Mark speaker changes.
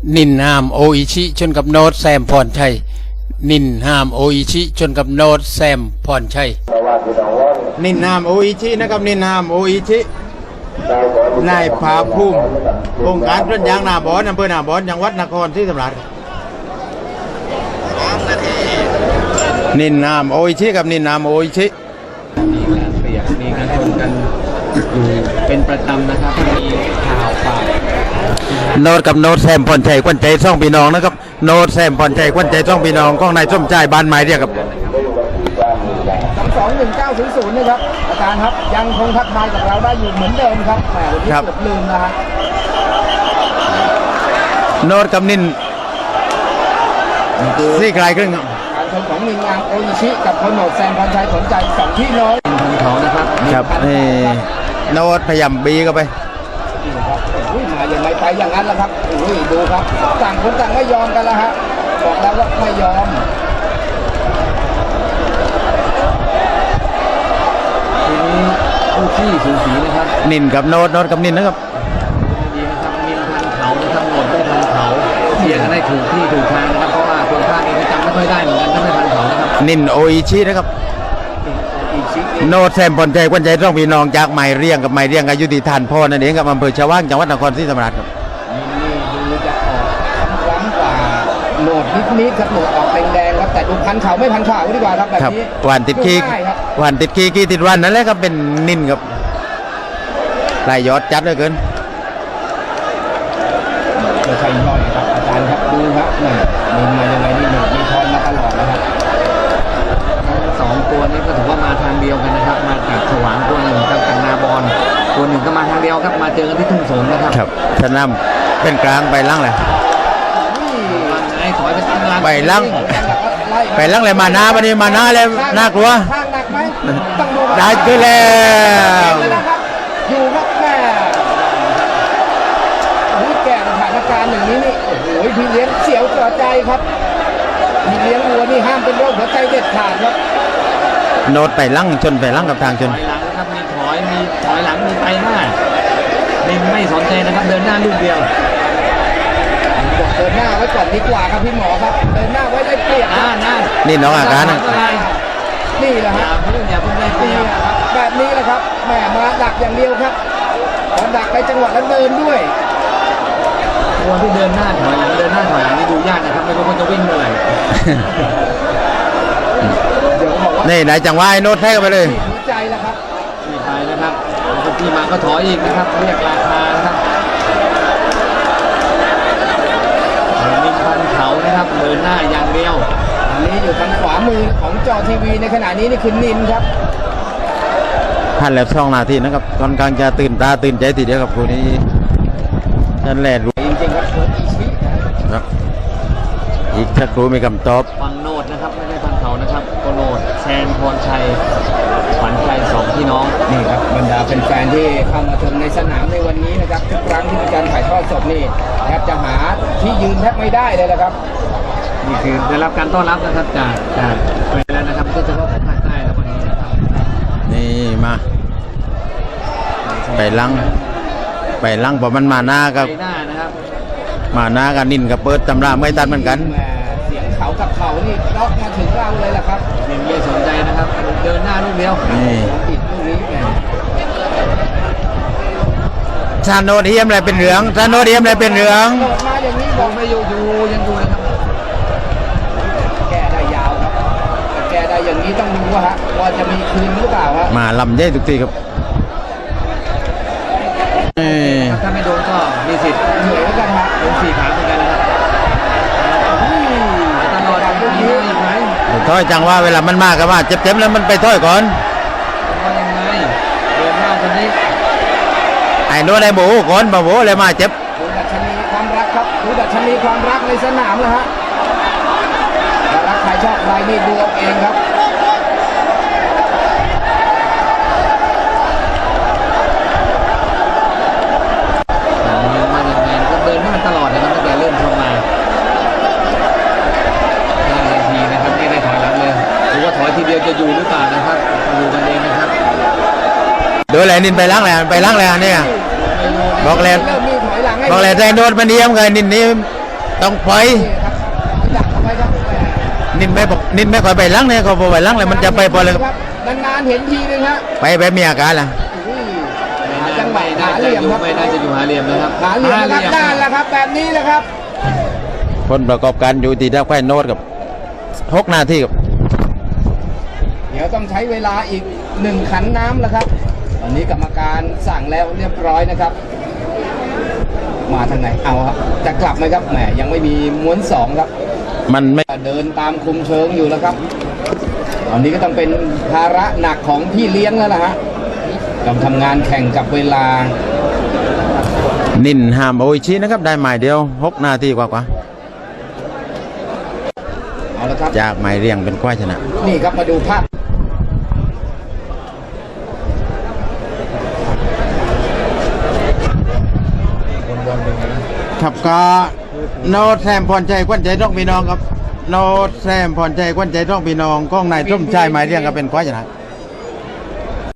Speaker 1: นินห้ามโออิชิชนกับโนตแซมพรชัยนินห้ามโออิชิชนกับโนตแซมพรชัยนินห้ามโออิชินะครับนินห้ามโออิชินายภาภูมิองค์การต้นยางนาบอนอำเภอนาบอนจังหวัดนครศรีธรรมราชนินห้ามโออิชิกับนินห้ามโออิชิ
Speaker 2: มีการเปรียบมีการชนกันอยู่เป็นประจำนะครับมีข่าวฝ่าย
Speaker 1: โนตกับโนตแซมพรชัยควันใจซ่องพี่น้องนะครับโนตแซมพรชัยควันใจซ่องพี่น้องของนายส้มใจบ้านไม้เรียกครับ
Speaker 3: 21900นะครับอาจารย์ครับยังคงทักทายกับเราได้อยู่เหมือนเดิมครับแหมวันนี้เกือบลืมนะฮะ
Speaker 1: โนตกับนินซี่ไกลครึ่งครับ
Speaker 3: การชมของนินงามโออิชิกับโคโนดแซมพรชัยสนใจ2พี่น้อง
Speaker 2: พันเขานะครับ
Speaker 1: ครับนี่โนตพยายามบีเข้าไป
Speaker 3: นี่ครับมาอย่างไรไปอย่างนั้นแหละครับดูครับต่างคนต่างไม่ยอมกันแล้วฮะบอกแล้วว่าไม่ยอม
Speaker 2: ทีนี้ผู้ที่สูสีนะครับ
Speaker 1: นินกับโนตกับนินนะครับ
Speaker 2: ดีนะครับนินพันเขานะครับโนตไม่พันเขาเสียงกันได้ถูกที่ถูกทางนะครับเพราะว่าคนภาคนี้จำไม่ค่อยได้เหมือนกันถ้าไม่พันเขานะครับ
Speaker 1: นินโออิชินะครับโนตแซมพรชัยควันใจซ่องพี่น้องจากไม้เรียงกับไม้เรียงอายุติธานพ่อนั่นเองกับอำเภอชวางจังหวัดนครศรีธรรมราชครับ
Speaker 3: นี่ดูจะออกคล้ำกว่าโหนดนิดครับโหนดออกแดงๆครับแต่ดูพันเขาไม่พันขาดีกว่าครับแบบนี้
Speaker 1: หวานติดขี้หวานติดขี้กี่ติดวันนั่นแหละครับเป็นนินครับลายยอดจัดเหลือเกิน
Speaker 3: ไม่ใช่ย่อยครับอาจารย์ครับดูครับนินมายังไงนี่โหนดมีทอนมาตลอดนะครับ
Speaker 2: สองตัวนี้ก็ถือว่ามาทางเดียวกันนะครับมาจากฉวางตัวหนึ่งกับจากนาบอนตัวหนึ่งก็มาทางเดียวครับมาเจอกันที่ทุ่งสงนะครับ
Speaker 1: ครับชนะเป็นกลางไปล่างเลย
Speaker 2: ไอ้ถอยไปตั้งล่าง
Speaker 1: ไปล่างไปล่างเลยมาหน้าวันนี้มาหน้าเลยน่ากลัว
Speaker 3: ข้างหนักไหม
Speaker 1: ได้ขึ้นแล้ว
Speaker 3: อยู่ครับแม่แก่สถานการณ์อย่างนี้นี่โอ้โหพี่เลี้ยงเสียวต่อใจครับพี่เลี้ยงวัวนี่ห้ามเป็นโรคหัวใจเด็ดขาดครับ
Speaker 1: โนตไปลั่งชนไปลั่งกับทางชน
Speaker 2: ถอยหลังนะครับมีถอยหลังมีไปหน้าไม่สนใจนะครับเดินหน้าลูกเดียว
Speaker 3: บอกเดินหน้าไว้ก่อนดีกว่าครับพี่หมอครับเดินหน้าไว้ได้เปรียบ
Speaker 1: นี่น้องอาการ
Speaker 3: นี่แหละฮะ
Speaker 2: อย่าเพิ่งได้เปรียบ
Speaker 3: แบบนี้แหละครับแหมมาดักอย่างเดียวครับพอดักในจังหวะแล้วเดินด้วย
Speaker 2: ตัวที่เดินหน้าถอยหลังเดินหน้าถอยหลังนี่ดูยากนะครับไม่รู้ว่าจะวิ่งเมื่อไหร่
Speaker 1: นี่ไหนจังหวะโน้ตแท้กันไปเลย
Speaker 3: ใจแล้วครับ
Speaker 2: นี่ไปนะครับที่มาก็ถอยอีกนะครับเรียกราคานะครับนินพันเขานะครับเดินหน้าอย่างเดียว
Speaker 3: อันนี้อยู่ทางขวามือของจอทีวีในขณะนี้นี่คือนินครับ
Speaker 1: ผ่านแล้ว2 นาทีนะครับค่อนข้างจะตื่นตาตื่นใจทีเดียวกับคู่นี้นั่นแหละรู้
Speaker 3: จริงๆครับ
Speaker 1: ครับอีกสักครู่มีคำตอบ
Speaker 2: ฟังโนดนะครับไม่ใช่พันเขานะครับโคโนดแซนพรชัยขวัญใจ2พี่น้อง
Speaker 3: นี่ครับบรรดาเป็นแฟนที่เข้ามาชมในสนามในวันนี้นะครับทุกครั้งที่มีการถ่ายทอดสดนี่แทบจะหาที่ยืนแทบไม่ได้เลยนะครับ
Speaker 2: นี่คือได้รับการต้อนรับนะครับจากไปแล้วนะครับก็จะเข้าของภาคใต้แล้ววันนี้นะครับ
Speaker 1: นี่มาไปลั่งพอมันมาหน้ากับมาหน้ากันนินกับเปิดตำราไม่ตันเหมือนกัน
Speaker 3: เสียงเขากับเขานี่ล็อกมาถึงเราเลยแหละครับ
Speaker 2: ไม่สนใจนะครับเดินหน้าลูกเดียว
Speaker 1: นี่
Speaker 3: ติดลูกนี้
Speaker 1: ชาโนเทียมอะไรเป็นเหลืองชาโนเทียมอะไรเป็นเหลือง
Speaker 3: มาอย่างนี้บอก
Speaker 2: ไม่อยู่ยังอยู่นะครับ
Speaker 3: แก้ได้ยาวครับแก้ได้อย่างนี้ต้องดูว่าจะมีคืนหรือเปล่าฮะ
Speaker 1: มาลำใหญ่ทุกทีครับ
Speaker 2: ถ้าไม่โดนก็มีสิทธิ์
Speaker 3: เหนื่อยกันฮะ
Speaker 2: โดน4 ขาเหมือนกันนะครับตลอดมีอีกไหม
Speaker 1: ถอยจังว่าเวลามันมากกันว่าเจ็บๆแล้วมันไปถอยก่อน
Speaker 2: ว่ายังไงเดินหน้าคนนี้
Speaker 1: ไอ้โน้ตไอ้โบก่อนโบเลยมาเจ็บ
Speaker 3: ดูดัชนีความรักครับดูดัชนีความรักในสนามนะฮะรักใครชอบใครนี่ดูเอาเองครับ
Speaker 2: เดินหน้าตลอดนะครับตั้งแต่เริ่มชมมา5 นาทีนะครับไม่ได้ถอยหลังเลยหรือว่าถอยทีเดียวจะอยู่หรือเปล่านะครับดูกันเองนะครับ
Speaker 1: โดยแหลนินไปล้างแหลเนี่ยบอกแหลใจโดนมันเยี่ยมไงนินนี้ต้องไป
Speaker 3: นี่ครับดักเข้าไปครับ
Speaker 1: นินไม่ค่อยไปหลังเนี่ยเขาพอไปหลังเลยมันจะไปพอเลย
Speaker 3: ครับนานๆเห็นทีนึงฮะ
Speaker 1: ไปแบบมีอาการล่ะ
Speaker 3: อุ้ยหาจังหวะหาเหลี่ยมครับ
Speaker 2: ไม่น่าจะอยู่หาเหลี่ยมนะครับ
Speaker 3: หาเหลี่ยมนะครับด้านละครับแบบนี้แหละครับ
Speaker 1: ผลประกอบการอยู่ที่ดาวไข่โนดกับ6 นาทีครับ
Speaker 3: เดี๋ยวต้องใช้เวลาอีก1 ขันน้ำแล้วครับตอนนี้กรรมการสั่งแล้วเรียบร้อยนะครับ มาทางไหนเอาครับจะกลับไหมครับแหมยังไม่มีม้วน2ครับ
Speaker 1: มันไม่
Speaker 3: เดินตามคุมเชิงอยู่แล้วครับ ตอนนี้ก็ต้องเป็นภาระหนักของพี่เลี้ยงแล้วล่ะฮะต้องทำงานแข่งกับเวลา
Speaker 1: นินห้ามโออิชินะครับได้หมายเดียว6 นาทีกว่า
Speaker 3: เอาละครับ
Speaker 1: จากหมายเรียงเป็นควายชนะ
Speaker 3: นี่ครับมาดูภาพ
Speaker 1: ครับก็โนดแซมพรชัยควันใจต้องพี่น้องครับโนดแซมพรชัยควันใจต้องพี่น้องก้องนายส้มชายหมายเรียงก็เป็นควายชนะ